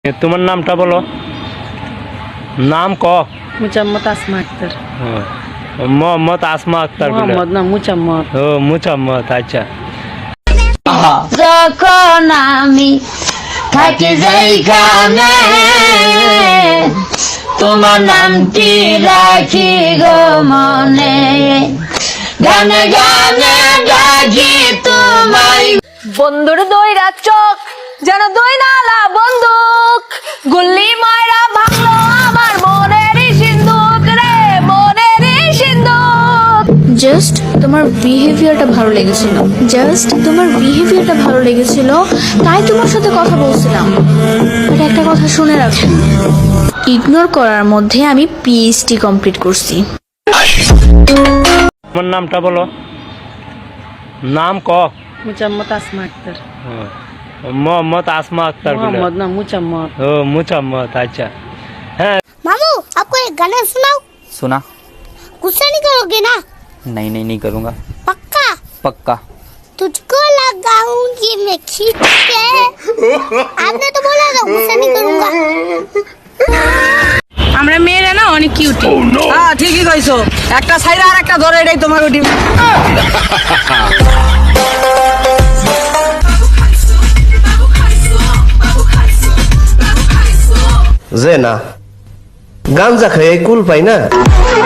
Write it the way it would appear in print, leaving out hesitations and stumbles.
তোমার নামটা বলো। নাম ক। মুচাম্মদ আসমা আক্তার। মোহাম্মদ আসমা আক্তার। মোহাম্মদ না মুচাম্মদ। ও মুচাম্মদ, আচ্ছা। যখন আমি থাকি যেইখানে তোমার নামটি রাখি গো মনে, গানে গানে ডাকি তোমায়। বন্ধুর দইরা চোখ যেন দই নালা বন্দুক, গুল্লি মারা ভাঙলো আমার মনেরই সিন্ধুক রে, মনেরই সিন্ধুক। জাস্ট তোমার বিহেভিয়ারটা ভালো লেগেছিল, তাই তোমার সাথে কথা বলছিলাম। বাট একটা কথা শুনে রাখো, ইগনোর করার মধ্যে আমি পিএইচডি কমপ্লিট করছি। তোমার নামটা বলো। নাম ক। মুচাম্মদ আসমা আক্তার। মোহাম্মদ আসমা আক্তার। मोहम्मद ना मुचम्मद। ও মুচাম্মদ, আচ্ছা। मामू आपको एक गाना सुनाओ। सुना। गुस्सा नहीं करोगे ना? नहीं करूँगा। पक्का? पक्का। तुझको लगाऊंगी मैं खींच के। आपने तो बोला था गुस्सा नहीं करूंगा। আমরা মেয়েরা না অনেক কিউট। হ্যাঁ ঠিকই কইছো, একটা সাইরা আর একটা ধরে, এটাই তোমার উঠি। যে না গাঞ্জা খাই কুল পাই না।